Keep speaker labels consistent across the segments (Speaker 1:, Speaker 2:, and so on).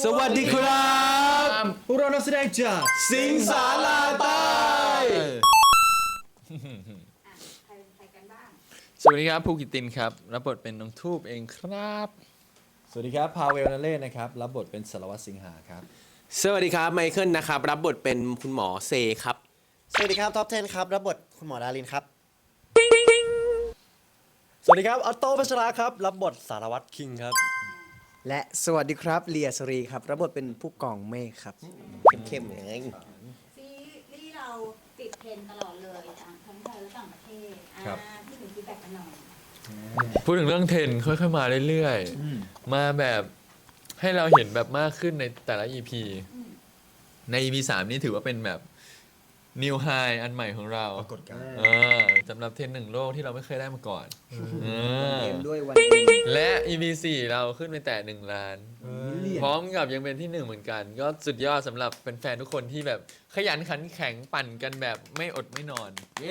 Speaker 1: สวัสดีครับพวกเรานักแสดงจากสิงสาราใต้
Speaker 2: ใครกันบ้าง
Speaker 3: สวัสดีครับภูกิตินครับรับบทเป็นน้องทูบเองครับ
Speaker 1: สวัสดีครับพาเวลนาเล่นะครับรับบทเป็นสารวัตรสิงหาครับ
Speaker 4: สวัสดีครับไมเคิลนะครับรับบทเป็นคุณหมอเซครับ
Speaker 5: สวัสดีครับท็อป 10 ครับรับบทคุณหมอดารินครับ
Speaker 1: สวัสดีครับออโต้พัชราครับรับบทสารวัตรคิงครับ
Speaker 6: และสวัสดีครับเลียสรีครับรับบทเป็นผู้กองเมฆครับ
Speaker 4: เข้มๆอย่างนี้
Speaker 2: ซีรีส์เราติดเทรนด์ตลอดเลยทั้งไทยและต่างประเทศ
Speaker 1: ครับ
Speaker 2: ที่ถึงฟีดแบ็กกันหน่อย
Speaker 3: พูดถึงเรื่องเทรนด์ค่อยๆมาเรื่อยๆมาแบบให้เราเห็นแบบมากขึ้นในแต่ละ EP ใน EP 3 นี้ถือว่าเป็นแบบ New High อันใหม่ของเรา
Speaker 1: ปรากฏการณ์
Speaker 3: สำหรับเทรนด์หนึ่งโลกที่เราไม่เคยได้มาก่อนเออ
Speaker 6: เกมด้วยวันเอ็ม
Speaker 3: และ EP 4 เราขึ้นไปแต่1 ล้าน พร้อมกับยังเป็นที่ 1 เหมือนกัน ก็สุดยอดสำหรับแฟนๆทุกคนที่แบบขยันขันแข็งปั่นกันแบบไม่อดไม่นอน เย้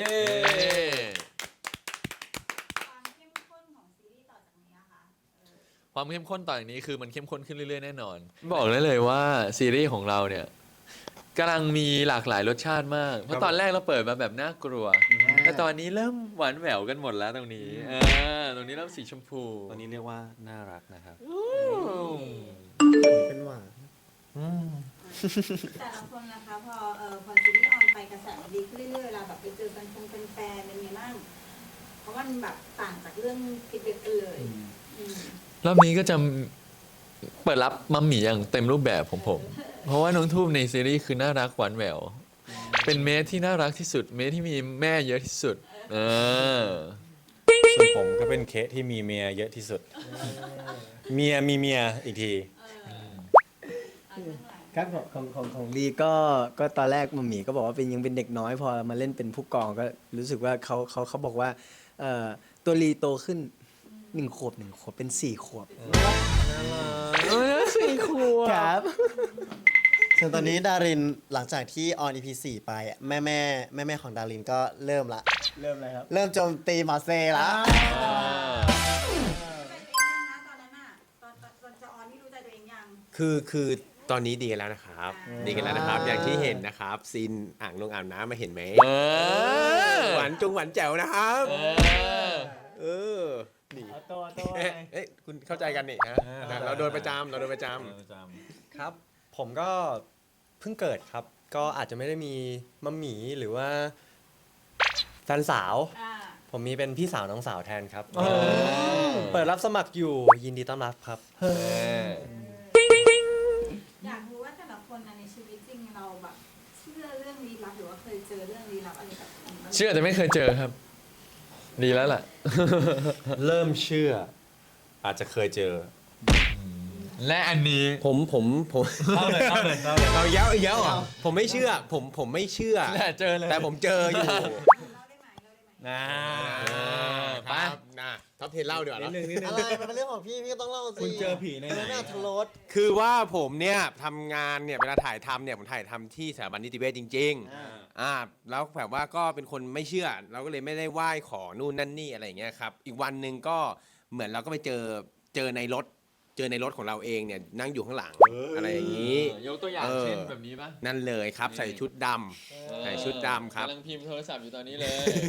Speaker 2: ความเข้มข้นของซีรีส์ต่อจากนี้นะคะ
Speaker 3: ความเข้มข้นต่อจากนี้คือมันเข้มข้นขึ้นเรื่อยๆแน่นอน บอกได้เลยว่าซีรีส์ของเราเนี่ยกำลังมีหลากหลายรสชาติมาก เพราะตอนแรกเราเปิดมาแบบน่ากลัว แต่ตอนนี้เริ่มหวานแหววกันหมดแล้วตรงนี้ตรงนี้เริ่มสีชมพู
Speaker 1: ตอนนี้เรียกว่าน่ารักนะครับ
Speaker 6: เป็นหวาน
Speaker 2: แต่ละคนนะคะพอซีรีส์ออนไปกระแสมันดีขึ้นเรื่อยๆเวลาแบบไปเจอกันเป็นแฟนเป็นไงบ้างเพราะว่ามันแบบต่างจากเรื่องคิดเด็กกันเลยอืม
Speaker 3: รอบนี้ก็จะเปิดรับมัมหมี่อย่างเต็มรูปแบบของผม เพราะว่าน้องทูบในซีรีส์คือน่ารักหวานแหวว เป็นเมสที่น่ารักที่สุด เมสที่มีแม่เยอะที่สุด
Speaker 1: ส่วนผมก็เป็นเคสที่มีเมียเยอะที่สุด เมียมีเมียอีกที
Speaker 6: ครับของลีก็ตอนแรกมัมหมี่ก็บอกว่าเป็นยังเป็นเด็กน้อยพอมาเล่นเป็นผู้กองก็รู้สึกว่าเขาบอกว่าตัวลีโตขึ้น1 ขวบเป็น4 ขวบครับ
Speaker 5: ส่วนตอนนี้ดารินหลังจากที่ออน EP 4 ไปอะแม่ของดารินก็เริ่มละ
Speaker 6: เริ่มอะไรครับ
Speaker 5: เริ่มโจมตีหมอเซละ
Speaker 2: เป็นเองยังนะตอนนั้นอ่ะตอนจะออนนี่รู้ใจตัวเองยัง
Speaker 4: คือตอนนี้ดีกันแล้วนะครับ ดีกันแล้วนะครับ อย่างที่เห็นนะครับซีนอ่างลงอาบน้ำมาเห็นไหมหวานจุงหวานแจ๋วนะครับเออนี่
Speaker 6: ตัว
Speaker 4: เอ๊ะคุณเข้าใจกันนี่ฮะเราโดนประจำ
Speaker 7: ครับผมก็เพิ่งเกิดครับ ก็อาจจะไม่ได้มีมัมหมีหรือว่าแฟนสาว ผมมีเป็นพี่สาวน้องสาวแทนครับเปิดรับสมัครอยู่ยินดีต้อนรับครับ
Speaker 2: อยากรู้ว่าแต่ละคนในชีวิตจริงเราแบบเชื่อเรื่องลี้ลับหรือว่าเคยเจอเรื่องลี้ลับอะไรแบบนี้บ้าง
Speaker 3: เชื่อแต่ไม่เคยเจอครับ ดีแล้วล่ะ
Speaker 1: เริ่มเชื่อ อาจจะเคยเจอ
Speaker 3: และอันนี้
Speaker 4: ผม
Speaker 1: เล่าเลย
Speaker 4: เอาเย้าเหรอผมไม่เชื่อ ผมไม่เชื่อ
Speaker 3: และเจอเลย
Speaker 4: แต่ผมเจออยู่
Speaker 2: เล่าได้ไหม
Speaker 1: นะ
Speaker 3: ไป
Speaker 4: นะท็อปเทนเล่าดีกว่าเนอะ
Speaker 5: อะไรมันเป็นเรื่องของพี่ก็ต้องเล่าสิ
Speaker 1: คุณเจอผีในไหน
Speaker 5: น่าทรส
Speaker 4: คือว่าผมเนี่ยทำงานเนี่ยเวลาถ่ายทำเนี่ยผมถ่ายทำที่สถาบันนิติเวชจริงๆแล้วแบบว่าก็เป็นคนไม่เชื่อ เราก็เลยไม่ได้ไหว้ขอนู่นนั่นนี่อะไรอย่างเงี้ยครับอีกวันหนึ่งก็เหมือนเราก็ไปเจอในรถของเราเองเนี่ยนั่งอยู่ข้างหลังอะไรอย่างนี้
Speaker 3: ยกตัวอย่างเช่นแบบนี้ป่ะ
Speaker 4: นั่นเลยครับใส่ชุดดำใส่ชุดดำครับ
Speaker 3: กำลังพิมพ์โทรศัพท์อยู่ตอนนี้เลย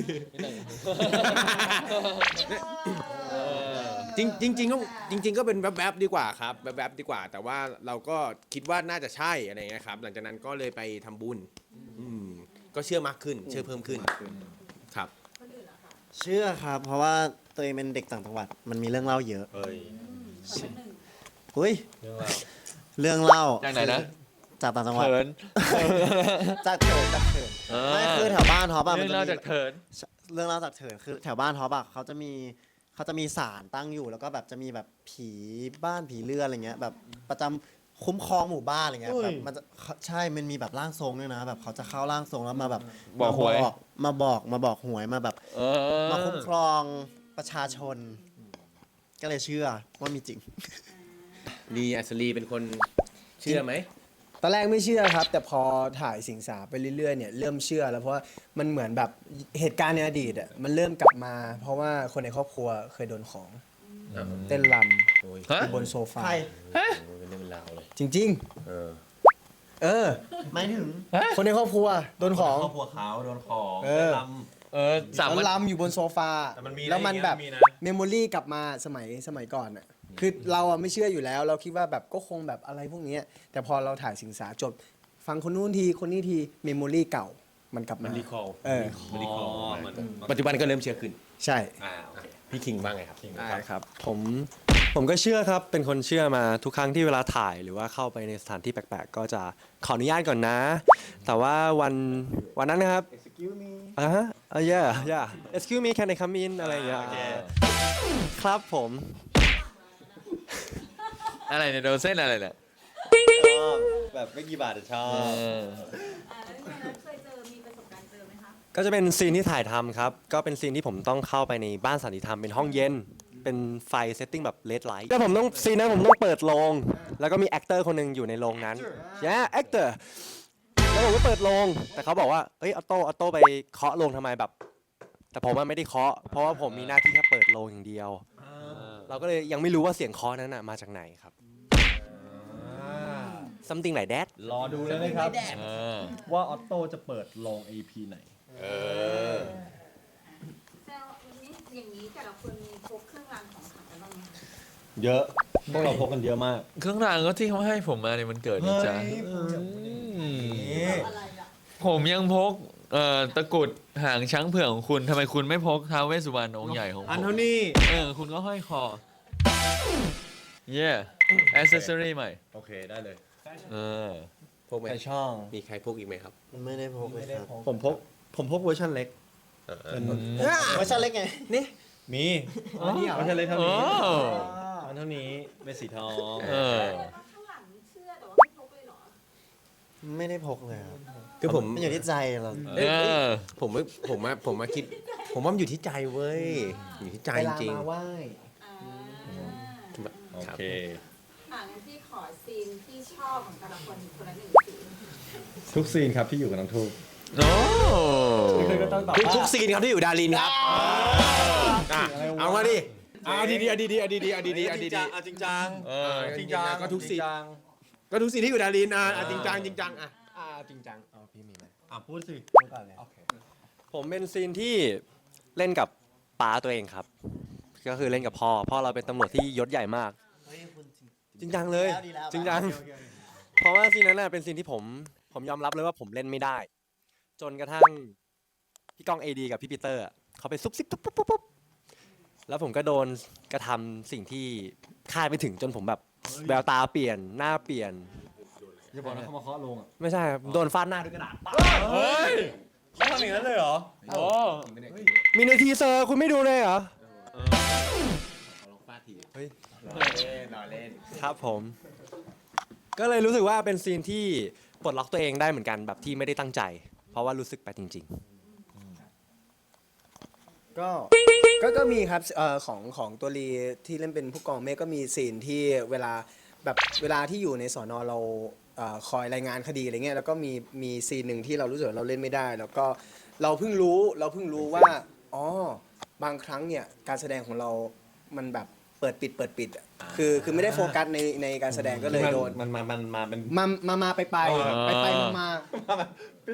Speaker 4: จริงก็เป็นแวบๆดีกว่าครับแวบๆดีกว่า แต่ว่าเราก็คิดว่าน่าจะใช่อะไรเงี้ยครับหลังจากนั้นก็เลยไปทำบุญก็เชื่อมากขึ้นเชื่อเพิ่มขึ้นครับ
Speaker 5: เชื่อครับ เพราะว่าตัวเองเป็นเด็กต่างจังหวัดมันมีเรื่องเล่าเยอะ
Speaker 1: เอ้ย
Speaker 5: อุ้ย
Speaker 1: เรื่องเล่า
Speaker 5: เรื่องเล่า
Speaker 3: จากไหนนะ
Speaker 5: จากต่างจังหวัด
Speaker 3: เถิน
Speaker 5: จากเถินไม่คือแถวบ้านท็อปอะ
Speaker 3: เรื่
Speaker 5: มั
Speaker 3: อน ง
Speaker 5: จะ
Speaker 3: เล่า
Speaker 5: มี
Speaker 3: จากเถิน
Speaker 5: เรื่องเล่าจากเถินคือแถวบ้านท็อปอะเขาจะมีศาลตั้งอยู่แล้วก็แบบจะมีแบบผีบ้านผีเรือนอะไรเงี้ยแบบประจำคุ้มครองหมู่บ้านอะไรเงี้ยแบบมันจะใช่มันมีแบบร่างทรงด้วยนะแบบเขาจะเข้าร่างทรงแล้วมาแบบ
Speaker 3: บอกหวย
Speaker 5: มาบอกหวยมาแบบมาคุ้มครองประชาชน ก็เลยเชื่อว่ามีจริง
Speaker 4: ลีอัศรีเป็นคนเชื่อไหม
Speaker 6: ตอนแรกไม่เชื่อครับ แต่พอถ่ายสิงสาไปเรื่อยๆเนี่ยเริ่มเชื่อแล้วเพราะว่ามันเหมือนแบบเหตุการณ์ในอดีตอ่ะมันเริ่มกลับมา เพราะว่าคนในครอบครัวเคยโดนของเต้นรำ
Speaker 3: ฮะ
Speaker 6: อยู่บนโซฟา
Speaker 5: ใคร
Speaker 4: เป็นเรื่องเป็นราวเลย
Speaker 6: จริง
Speaker 4: เออ
Speaker 6: ๆ เออ
Speaker 5: ไม่ถึง
Speaker 6: คนในครอบครัวโดนของ
Speaker 7: ครอบครัวเขาโดนของ
Speaker 6: เออ
Speaker 3: สาม
Speaker 6: แล้ว
Speaker 3: วัน
Speaker 6: ลำอยู่บนโซฟา
Speaker 7: แต่มันมี
Speaker 6: แล้วมันแบบ
Speaker 7: มีนะ
Speaker 6: เมมโมรี่กลับมาสมัยก่อนอ่ะคือเราอะไม่เชื่ออยู่แล้ว เราคิดว่าแบบก็คงแบบอะไรพวกเนี้ยแต่พอเราถ่ายสิงสาจบฟังคนนู้นทีคนนี้ทีเมมโมรี่เก่ามันกลับมา
Speaker 4: รีคอล
Speaker 6: เออ
Speaker 4: รีคอลปัจจุบันก็เริ่มเชื่อขึ้น
Speaker 6: ใช่
Speaker 4: โอเคพี่คิงบ้างไงครับ
Speaker 7: ได้ครับ ผมก็เชื่อครับ เป็นคนเชื่อมาทุกครั้งที่เวลาถ่ายหรือว่าเข้าไปในสถานที่แปลกๆ ก็จะขออนุญาตก่อนนะ แต่ว่าวันนั้นนะครับ excuse me yeah excuse me can I come in อะไรอย่างเงี้ยครับผม
Speaker 3: อะไรเนี่ยโดนเส้นอะไรเนี่ย
Speaker 7: แบบไม่กี่บาทชอ
Speaker 3: เอบ อ
Speaker 2: แล้วเป็นไงนะเคยเจอมีประสบการณ์เจอไหมคะ
Speaker 7: ก็จะเป็นซีนที่ถ่ายทำครับ ก็เป็นซีนที่ผมต้องเข้าไปในบ้านสันติธรรมเป็นห้องเย็น เป็นไฟเซตติ้งแบบเลดไลท์แล้วผมต้องซีนนั้นผมต้องเปิดโรงแล้วก็มีแอคเตอร์คนหนึ่งอยู่ในโรงนั้นแอคเตอร์แล้วผมก็เปิดโรงแต่เขาบอกว่าเอ้ยออโต้ไปเคาะโรงทำไมแบบ แต่ผมว่าไม่ได้เคาะเพราะว่าผมมีหน้าที่แค่เปิดโรงอย่างเดียว เราก็เลยยังไม่รู้ว่าเสียงเคาะนั้นน่ะมาจากไหนครับ something like that
Speaker 8: รอดูเลยนะครับ
Speaker 3: เออ
Speaker 8: ว่าออตโต้จะเปิดลง AP ไหน
Speaker 2: แซววันนี้อย่างนี้แต่ละคนมีพกเครื่องรางของขลังกันบ้างไหมคะ
Speaker 8: เยอะ พวกเราพกกันเยอะมาก
Speaker 3: เครื่องรางก็ที่เขาให้ผมมาในวันเกิดนี่จ้ะ
Speaker 2: อะไรอ่ะ
Speaker 3: ผมยังพกตะกรุดหางช้างเผือกของคุณทำไมคุณไม่พกท้าวเวสสุวรรณองค์ใหญ่ของผม
Speaker 8: อันเท่านี้
Speaker 3: คุณก็ห้อยคอ yeah accessory ใหม่
Speaker 8: โอเคได้เลย
Speaker 3: เออ
Speaker 4: พกไหม
Speaker 8: ใครช่อง
Speaker 4: มีใครพกอีกไหมครับ
Speaker 5: ไม่ได้พกเลยครับ
Speaker 8: ผมพกเวอร์ชันเล็ก เป็น
Speaker 5: เวอร์ชันเล็กไง นี่
Speaker 8: มี
Speaker 6: อ๋อนี่เหรอ
Speaker 8: เวอร์ชันเล็กเท่า
Speaker 3: โอ้
Speaker 8: นี้อันเท่านี้เป็นสีทอง
Speaker 3: เออ
Speaker 2: ข้างหลังเชื่อแต่ว่าไม่พกเลยเหรอ
Speaker 5: ไม่ได้พกเลยครับ
Speaker 4: คือผม
Speaker 5: มันอยู่ที่ใจเรา
Speaker 3: เออ
Speaker 4: ผมมาคิด ผมว่ามันอยู่ที่ใจเว้ย อยู่ที่ใจ
Speaker 6: เว
Speaker 4: จ
Speaker 6: ลา
Speaker 4: ริง
Speaker 6: มาไหว้
Speaker 2: อ่า
Speaker 8: โอ
Speaker 4: ครับ
Speaker 8: เค
Speaker 2: งั้นพี่ขอซีนที่ชอบของแต่ละคนคนละหนึ่งซีน
Speaker 8: ทุกซีนครับที่อยู่กับน้องทูบ
Speaker 3: โอ้
Speaker 8: ก็ต้องตอบ
Speaker 4: ทุกซีนครับที่อยู่ดารินครับอ่ะเอามาดิเอาดีๆเอาดีๆเอาดีๆเอาดีๆเอาดีๆ
Speaker 8: จริงจัง
Speaker 4: จริงจังก็ทุกซีนก็ทุกซีนที่อยู่ดารินจริงจังจริงจังจริงจัง
Speaker 7: พี่มีไหม
Speaker 8: พูดสิ
Speaker 7: ผมเป็นซีนที่เล่นกับป้าตัวเองครับ ก็คือเล่นกับพ่อเราเป็นตำรวจที่ยศใหญ่มาก จริงจังเลย
Speaker 5: ดีแล้ว
Speaker 7: จริงจัง เพราะว่าซีนนั้นน่ะเป็นซีนที่ผมยอมรับเลยว่าผมเล่นไม่ได้ จนกระทั่งพี่ก้อง AD กับพี่ปีเตอร์อะเขาไปซุบซิบปุ๊บปุ๊บปุ๊บแล้วผมก็โดนกระทำสิ่งที่คาดไม่ถึงจนผมแบบแววตาเปลี่ยนหน้าเปลี่ยน
Speaker 8: อย่าบอกนะเขามาเคาะลงอ่ะ
Speaker 7: ไม่ใช่ครับโดนฟาดหน้าด้วยกระดาษ
Speaker 8: เฮ้ยเขาทำอย่างนั้นเลยเหรอ
Speaker 3: โอ้
Speaker 7: มีในทีเซอร์คุณไม่ดูเลยเหรอ
Speaker 4: รอเล่น
Speaker 7: ครับผม ก็เลยรู้สึกว่าเป็นซีนที่ปลดล็อกตัวเองได้เหมือนกันแบบที่ไม่ได้ตั้งใจ เพราะว่ารู้สึกไปจริง
Speaker 6: ก็มีครับของตัวรีที่เล่นเป็นผู้กองเมฆก็มีซีนที่เวลาที่อยู่ในสอนอเราคอยรายงานคดีอะไรเงี้ยแล้วก็มีซีนหนึ่งที่เรารู้สึกว่าเราเล่นไม่ได้ แล้วก็เราเพิ่งรู้ว่าอ๋อบางครั้งเนี่ยการแสดงของเรามันแบบเปิดปิดอะคือไม่ได้โฟกัสในการแสดงก็เลยโดน
Speaker 8: มันเป็น
Speaker 6: มาไปมาปิด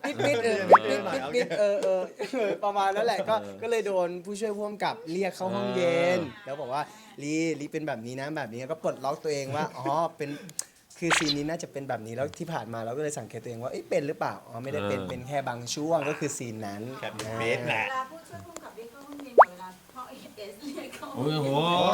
Speaker 6: ประมาณนั้นแหละก็เลยโดนผู้ช่วยผู้กำกับเรียกเข้าห้องเย็นแล้วบอกว่าลีเป็นแบบนี้นะแบบนี้ก็ปลดล็อกตัวเองว่าอ๋อเป็นคือซีนนี้น่าจะเป็นแบบนี้แล้วที่ผ่านมาเราก็เลยสังเกตตัวเองว่าเป็นหรือเปล่าอ๋อไม่ได้เป็นแค่บางช่วงก็คือซีนนั้น
Speaker 4: เบสแหละ
Speaker 2: เวลาผู้ช่วยผู้กำกับเรียกเข้าห้องเรียนกับเวลาพ่อเอสเรียกเข้าห้องเรียน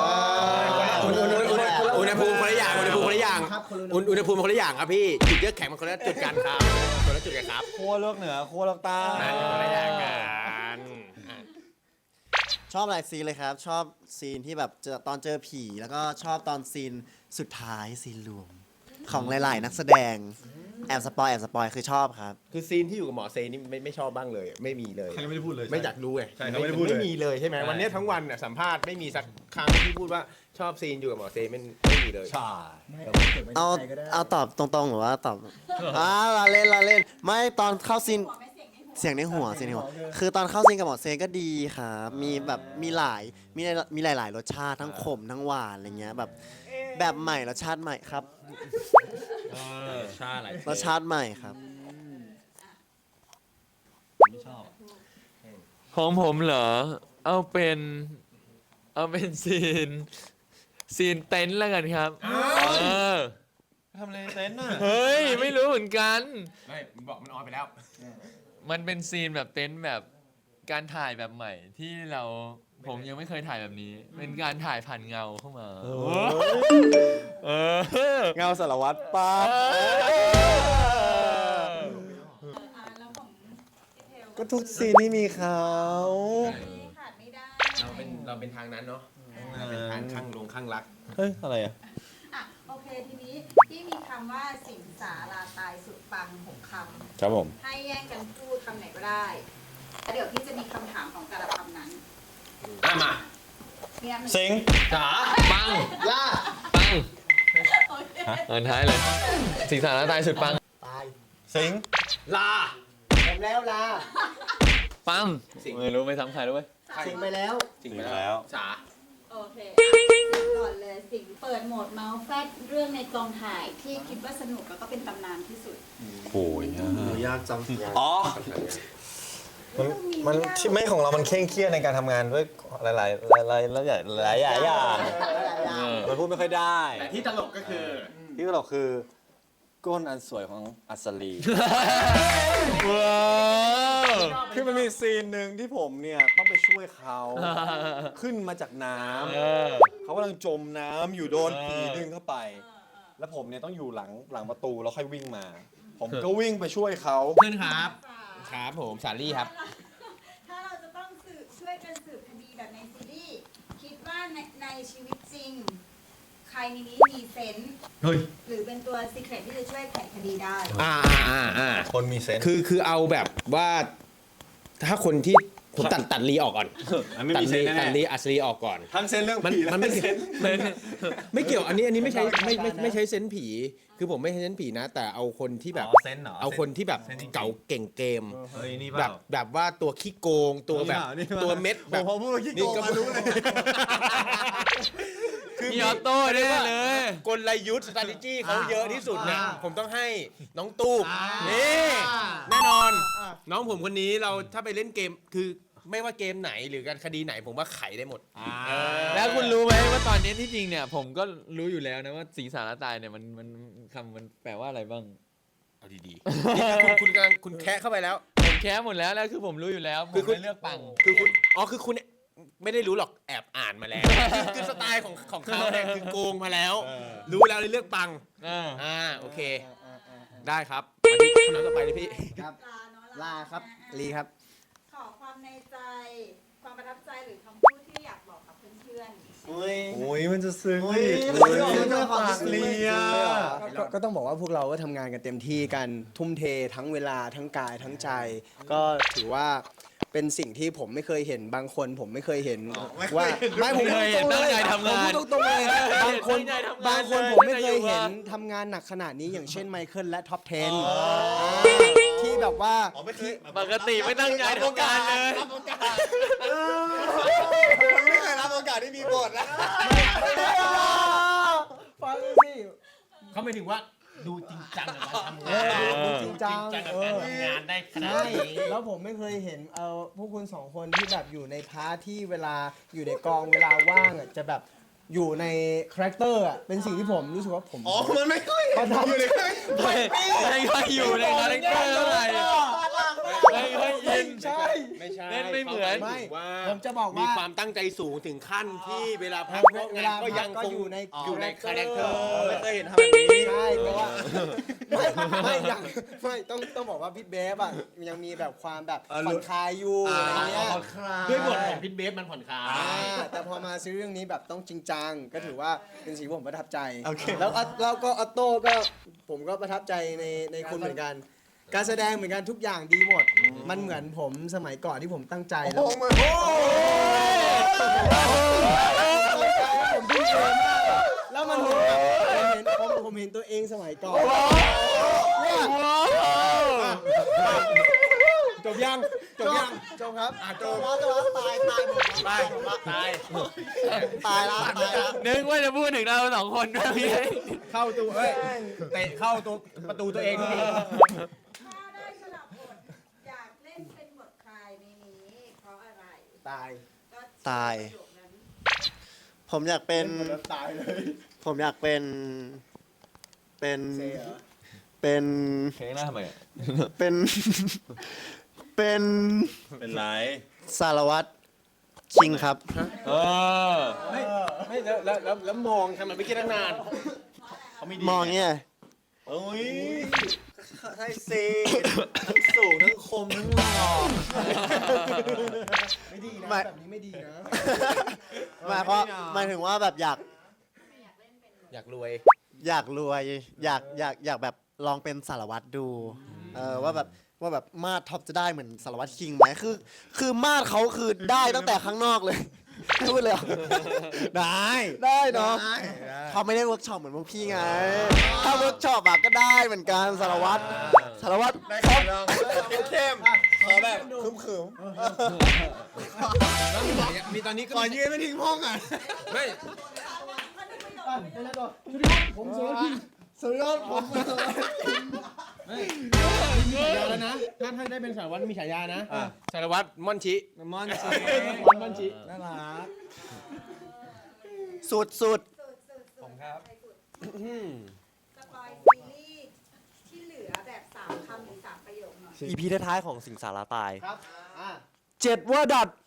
Speaker 4: อุณหภูมิคนละอย่างอุณหภูมิคนละอย่าง
Speaker 6: ครับคนละ
Speaker 4: อุณหภูมิคนละอย่างครับพี่จุดเยือกแข็งมันคนละจุดกันครับคนละจุดกันครับ
Speaker 8: ขั้วโลกเหนือขั้วโลกใต้
Speaker 4: นั่นคนละอย่างกัน
Speaker 5: ชอบหลายซีนเลยครับ ชอบซีนที่แบบตอนเจอผี แล้วก็ชอบตอนซีนสุดท้ายซีนรวม ของหลายๆนักแสดง แอบสปอยคือชอบครับ
Speaker 4: คือซีนที่อยู่กับหมอเซนี่ไม่ชอบบ้างเลย ไม่มีเลย
Speaker 8: ใครก็ไม่ได้พูดเลย
Speaker 4: ไม่อยากรู้ไง
Speaker 8: ใช่เขาไม่ได้พูดเลย
Speaker 4: ไม่มีเลยใช่ไหม
Speaker 8: ใช่
Speaker 4: วันนี้ทั้งวันน่ะสัมภาษณ์ไม่มีสักครั้งที่พูดว่าชอบซีนอยู่กับหมอเซไม่มีเลย
Speaker 8: ใช่
Speaker 5: เอาตอบตรงๆหรือว่าตอบเราเล่นไม่ตอนเข้าซีน
Speaker 2: หัวไม่เสียงในหัว
Speaker 5: เสียงในหัวคือตอนเข้าซีนกับหมอเซนก็ดีครับมีแบบมีหลายรสชาติทั้งขมทั้งหวานอะไรเงี้ยแบบใหม่รสชาติใหม่ครับ
Speaker 4: ชาอะไร
Speaker 5: รสชาติใหม่ครับ
Speaker 8: ไม่ชอบ
Speaker 3: ของผมเหรอ เอาเป็นซีนเต็นท์แล้วกันครับเออ
Speaker 8: ทำอะไรในเต็นท์น่ะ
Speaker 3: เฮ้ย ไม่รู้เหมือนกัน
Speaker 4: ไม่มึงบอกมันออนไปแล้ว
Speaker 3: มันเป็นซีนแบบเต็นท์แบบการถ่ายแบบใหม่ที่ผมยังไม่เคยถ่ายแบบนี้ เป็นการถ่ายผ่านเงาเข้ามาเออ
Speaker 8: เงาสารวัตรป้า
Speaker 2: แล้วของพี่เทล
Speaker 8: ก็ทุกซีนที่มีเขา
Speaker 2: ขาดไม่ได้
Speaker 4: เราเป็นทางนั้นเนาะเราเป็นทางข้างรัก
Speaker 8: เฮ้ย อะไรอ่ะ
Speaker 2: อ่ะโอเคทีนี้ที่มีคำว่าสิงสาราตายสุดปัง6 คำ
Speaker 1: ครับผม
Speaker 2: ให้แย่งกันพูดคำไหนก็ได้แล้วเดี๋ยวพี่จะมีคำถามของแต่ละคำนั้น
Speaker 4: มา
Speaker 2: มีอันหนึ่ง
Speaker 1: สิง
Speaker 4: จ๋า
Speaker 3: ปัง
Speaker 5: ล่า
Speaker 3: ปัง
Speaker 2: โอเค
Speaker 3: เอินท้ายเลย สิงสารตายสุดปัง
Speaker 5: ตาย
Speaker 8: สิง
Speaker 4: ลา
Speaker 5: ผมแล้วลา
Speaker 3: ปัง
Speaker 4: สิง
Speaker 3: ไม่รู้ไม่ซ้ำใครแล้วเว้ย
Speaker 5: สิงไปแล้ว
Speaker 4: จริง
Speaker 1: สิง
Speaker 4: แล้
Speaker 1: แล้ว ว
Speaker 4: จ๋า
Speaker 2: โอเคก่อนเลยสิงเปิดโหมดเมาส์แฟดเรื่องในกองถ่ายที่คิดว่าสนุกแล้วก็เป็นตำนานที่สุด
Speaker 1: โอ้ย
Speaker 5: ยากจัง
Speaker 8: อ๋อ มันที่ไม่ของเรามันเคร่งเครียดในการทำงานด้วยหลายอย่างมันพูดไม่ค่อยได้
Speaker 4: แต่ที่ตลกก็คือ
Speaker 8: ที่เราคือก้นอันสวยของอัศรี
Speaker 3: ว้าว
Speaker 8: คือมันมีซีนหนึ่งที่ผมเนี่ยต้องไปช่วยเขาขึ้นมาจากน้ำเขากำลังจมน้ำอยู่โดนผีดึงเข้าไป แล้วผมเนี่ยต้องอยู่หลังประตูแล้วค่อยวิ่งมา ผมก็วิ่งไปช่วยเขา
Speaker 4: ขึ้นครับ ครับผมสาลี่ครับ
Speaker 2: ถ้าเราจะต้องช่วยกันสืบคดีแบบในซีรีส์คิดว่าในชีวิตจริง ใครในนี้มีเซนส์หรือเป็นตัวซีเครตที่จะช่วยไขคดีได้
Speaker 8: คนมีเซนส์
Speaker 4: คือเอาแบบว่าถ้าคนที่ผมตัดลีออกก่อน
Speaker 8: อันไม่มีเซนส์แน่
Speaker 4: ตัดลีอัศรีออกก่อน
Speaker 8: ทั้งเซนส์เรื่อง
Speaker 4: มัน
Speaker 8: ผี
Speaker 4: มันไม่
Speaker 8: และเซนส์
Speaker 4: ไม่เกี่ยวอันนี้ไม่ใช่ไม่ใช่เซนส์ผี คือผมไม่ใช่เซนส์ผีนะ แต่เอาคนที่แบบ
Speaker 8: เซนส์เหรอ
Speaker 4: เอาคนที่แบบ
Speaker 8: เซนส์จริงๆ
Speaker 4: เก่าเก่งเกม
Speaker 8: เฮ้ยนี่
Speaker 4: แบบว่าตัวขี้โกงตัวแบบตัวเม็ดแบบ
Speaker 8: พอพูดว่าขี้โกงมารู้เลย
Speaker 3: มีออโต้แน่เลย
Speaker 4: กลยุทธ์ strategy เขาเยอะที่สุดนะผมต้องให้น้องตู้นี่แน่นอน น้องผมคนนี้เราถ้าไปเล่นเกมคือไม่ว่าเกมไหนหรือการคดีไหนผมว่าไขได้หมด
Speaker 3: แล้วคุณรู้ไหมว่าตอนนี้ที่จริงเนี่ย ผมก็รู้อยู่แล้วนะว่าสิงสารตายเนี่ยมันคำมันแปลว่าอะไรบ้าง
Speaker 4: เอาดีๆนี่คุณกำลังคุณแคะเข้าไปแล้ว
Speaker 3: ผมแค้หมดแล้วคือผมรู้อยู่แล้วผมไม่เลือกปัง
Speaker 4: คือคุณคือคุณไม่ได้รู้หรอกแอบอ่านมาแล้วคือสไตล์ของเขาเนี่ยคือโกงมาแล้ว รู้แล้วเลยเลือกปังโอเค ได้ครับมาที่คำถามต่อไปเลยพี่
Speaker 5: ครับ
Speaker 2: ลา
Speaker 5: ครับลีครับ
Speaker 2: ขอความในใจ ความประทับใจหรือคำพูดที่อยากบอกกับเพื่อนๆ
Speaker 8: โอ้ยมันจะซึ้ง
Speaker 5: โอ้ย
Speaker 8: เลีย
Speaker 6: ก็ต้องบอกว่าพวกเราก็ทำงานกันเต็มที่กันทุ่มเททั้งเวลาทั้งกายทั้งใจ ก็ถือว่าเป็นสิ่งที่ผมไม่เคยเห็นบางคนผมไม่เคยเห็นว่าไม่ผม
Speaker 3: ไม่เคยเห็นตั้งใจทำงาน
Speaker 6: ผมพูดตรงๆเลยบางคน
Speaker 3: ตั้งใจทำงาน
Speaker 6: บางคน
Speaker 3: เลย
Speaker 6: ผมไม่เคย
Speaker 3: ไม่ได้อยู่
Speaker 6: เห็น
Speaker 3: ว่า
Speaker 6: ทำงานหนักขนาดนี้อย่างเช่นไมเคิลและท็อป 10ที่แบบว่าที่
Speaker 3: ปกติไม่ตั้งใจทำงานเลย
Speaker 8: ไม่เคยรับโอกาสที่มีบทนะ
Speaker 6: ฟังสิ
Speaker 4: เขาไม่ถึงว่าดูจริงจังกับการทำงาน
Speaker 6: ดูจริงจัง
Speaker 4: กับการทำงานได้ขนาด
Speaker 6: ใช่
Speaker 4: นี้
Speaker 6: แล้วผมไม่เคยเห็นพวกคุณสองคนที่แบบอยู่ในพาร์ทที่เวลาอยู่ในกองเวลาว่างอะจะแบบอยู่ในคาแรคเตอร์อะเป็นสิ่งที่ผมรู้สึกว่าผม
Speaker 8: มันไม่ค่อย
Speaker 6: ประทับใจ
Speaker 3: ไม่ค่อยอยู่ในคาแรคเตอร์เท่าไหร่ไม่ค่อยอิน
Speaker 6: ใช่
Speaker 4: ไม่ใช่
Speaker 3: เล่นไม่เหมือน
Speaker 4: ขาหายถึงว่า
Speaker 6: ผมจะบอกว่ามี
Speaker 4: ความตั้งใจสูงถึงขั้นที่เวลาพักนอกงานก็ยังคง
Speaker 6: อยู่ใน
Speaker 4: อยู่ในคาแรคเตอร์
Speaker 8: ไม่เคยเห็นทำแบบนี้
Speaker 6: ใช่เพราะว่าไม่อย่างไม่ต้องบอกว่าพี่เบฟอะยังมีแบบความแบบผ่อนคลายอยู่อะไรเงี้ย
Speaker 4: ด้วยบทของพิทเบฟมันผ่อนคลาย
Speaker 6: แต่พอมาซีรีส์เรื่องนี้แบบต้องจริงจังก็ถือว่าเป็นสิ่งที่ผมประทับใจแล้วก็ออโต้ก็ผมก็ประทับใจในคุณเหมือนกัน การแสดงเหมือนกันทุกอย่างดีหมด มันเหมือนผมสมัยก่อนที่ผมตั้งใจแล้วผมทุ่มเทมากแล้วมันเหมือนแบบผมเห็นตัวเองสมัยก่อน
Speaker 4: จบยังจบยัง
Speaker 5: จบครับ
Speaker 4: จบ
Speaker 5: จบแล้วตายหมด
Speaker 4: ตายตาย
Speaker 5: ตายแล้วตายแล้ว
Speaker 3: นึกว่าจะพูดถึงเราสองคนด้วยพี่
Speaker 4: เข้าตัวเฮ้ยเตะเข้าตัวประตูตัวเองพี่
Speaker 2: ถ้าได้สลับบทอยากเล่นเป็นบทใครในนี้เพราะอะไร
Speaker 4: ตาย
Speaker 2: ก็
Speaker 5: ตาย
Speaker 2: ประโยคนั้น
Speaker 5: ผมอยากเป็น
Speaker 4: ตายเลย
Speaker 5: ผมอยากเป็นเป็น เป็น
Speaker 3: เพลงหน้าทำไมอะ
Speaker 5: เป็น เป็น
Speaker 8: เป็นไร
Speaker 5: สารวัตรคิงครับ
Speaker 3: เออ
Speaker 4: ไม่แล้วมองทำไมไม่คิดตั้งนาน
Speaker 8: เขาไม่ดี
Speaker 5: มองเนี่ย
Speaker 8: โอ้ยใช่สิทั้งสูงทั้งคมทั้งหล่อ
Speaker 5: ไม่ดีนะแบบนี้ไม่ดีนะหมายความหมายถึงว่าแบบอยาก
Speaker 4: อยากรวย
Speaker 5: อยากรวยอยากแบบลองเป็นสารวัตรดูว่าแบบมาดท็อปจะได้เหมือนสารวัตรคิงไหมคือมาดเขาคือได้ตั้งแต่ข้างนอกเลยพูดเลยเหรอ ได้เนาะเขาไม่ได้เวิร์กช็อปเหมือนพวกพี่ไง ถ้าเวิร์กช็อปอะก็ได้เหมือนกันสารวัตรครับ
Speaker 8: เข้มขอแบบคืม
Speaker 4: แล้วมีตอนนี้ก็
Speaker 8: ขอยืนไม่ทิ้งห้องอ่ะ
Speaker 4: ไม่
Speaker 5: ผมสารวัตรคิงสารวัตรผม
Speaker 4: มีฉายาแล้วนะถ้าได้เป็นสารวัตรมีฉายานะสารวัตรม่อนชิ
Speaker 8: ม่อนสิ
Speaker 4: ม่อนชิ
Speaker 8: น่ารัก
Speaker 5: สุด
Speaker 2: ผมครับสปอยซีรีส์ที่เหลือแบบ3 คำหรือ 3 ประโยคหน่อย
Speaker 7: อีพีท้ายๆของสิงสาราตาย
Speaker 5: ครับ
Speaker 7: เจ็ดว่าดัด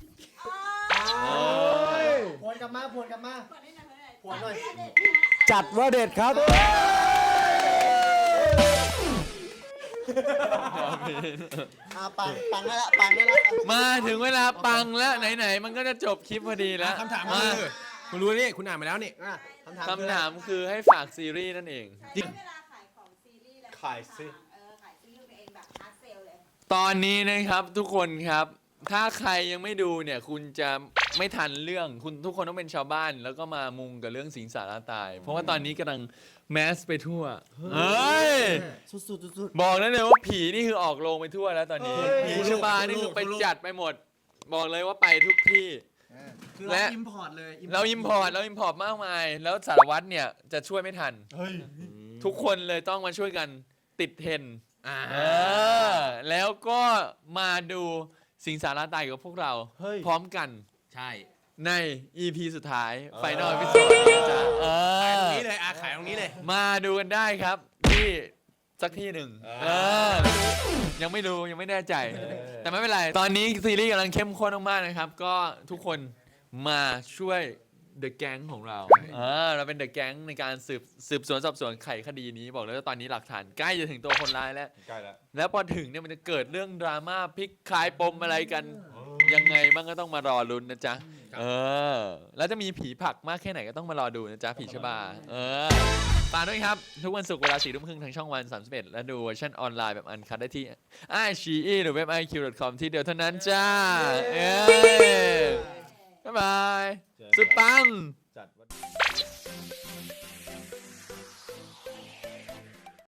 Speaker 5: ผวนกลับมา
Speaker 2: เปิดให้หน่อย
Speaker 5: ผวนหน่อย
Speaker 7: จัดว่าเด็ดครับ
Speaker 5: ปังได้ละปังได้ละ
Speaker 3: มาถึงเวลาปังแล้วไหนๆมันก็จะจบคลิปพอดีแล้ว
Speaker 4: คำถามคือคุณรู้นี่คุณอ่านมาแล้วนี่
Speaker 3: คำถามคือให้ฝากซีรีส์นั่นเอง
Speaker 2: ใช้เวลาขายของซีรีส์แล้ว
Speaker 8: ขายสิ
Speaker 2: ขายซีรีส์ตัวเองแบบฮาร์ดเซลเลย
Speaker 3: ตอนนี้นะครับทุกคนครับ ถ้าใครยังไม่ดูเนี่ย คุณจะไม่ทันเรื่องคุณทุกคนต้องเป็นชาวบ้าน แล้วก็มามุงกับเรื่องสิงสาราตาย เพราะว่าตอนนี้กำลังแมสไปทั่วเฮ้ย
Speaker 5: สุด
Speaker 3: บอกได้เลยว่าผีนี่คือออกโรงไปทั่วแล้วตอนนี้ผีชบานี่คือไปจัดไปหมด บอกเลยว่าไปทุกที่
Speaker 5: คือ
Speaker 3: และ
Speaker 5: เราอิมพอร์ตเลย
Speaker 3: เราอิมพอร์ตมากมาย แล้วสารวัตรเนี่ยจะช่วยไม่ทัน ทุกคนเลยต้องมาช่วยกันติดเทรนด์แล้วก็มาดูสิงสาราตายกับพวกเรา พร้อมกัน
Speaker 4: ใช่
Speaker 3: ใน EP สุดท้ายไฟนอลพิเศษจ้ะ
Speaker 4: ขายตรงนี้เลยขายตรงนี้เลย
Speaker 3: มาดูกันได้ครับที่สักที่หนึ่งยังไม่รู้ยังไม่แน่ใจ แต่ไม่เป็นไร ตอนนี้ซีรีส์กำลังเข้มข้นมากๆนะครับ ก็ทุกคนมาช่วยเดอะแก๊งของเราเราเป็นเดอะแก๊งในการสืบสวนสอบสวนไขคดีนี้บอกเลยว่าตอนนี้หลักฐานใกล้จะถึงตัวคนร้ายแล้ว
Speaker 8: ใกล้แล้ว
Speaker 3: แล้วพอถึงเนี่ยมันจะเกิดเรื่องดราม่าพลิกคลายปมอะไรกัน ยังไงบ้างก็ต้องมารอลุ้นนะจ๊ะแล้วจะมีผีผลักมากแค่ไหนก็ต้องมารอดูนะจ๊ะผีชบาฝากด้วยครับ ทุกวันศุกร์เวลา 4 ทุ่มครึ่งทางช่องวัน 31 และดูเวอร์ชันออนไลน์แบบอันคัทได้ที่iQIYI หรือเว็บ iq.com ที่เดียวเท่านั้นจ้าบ๊ายบาย สุดปัง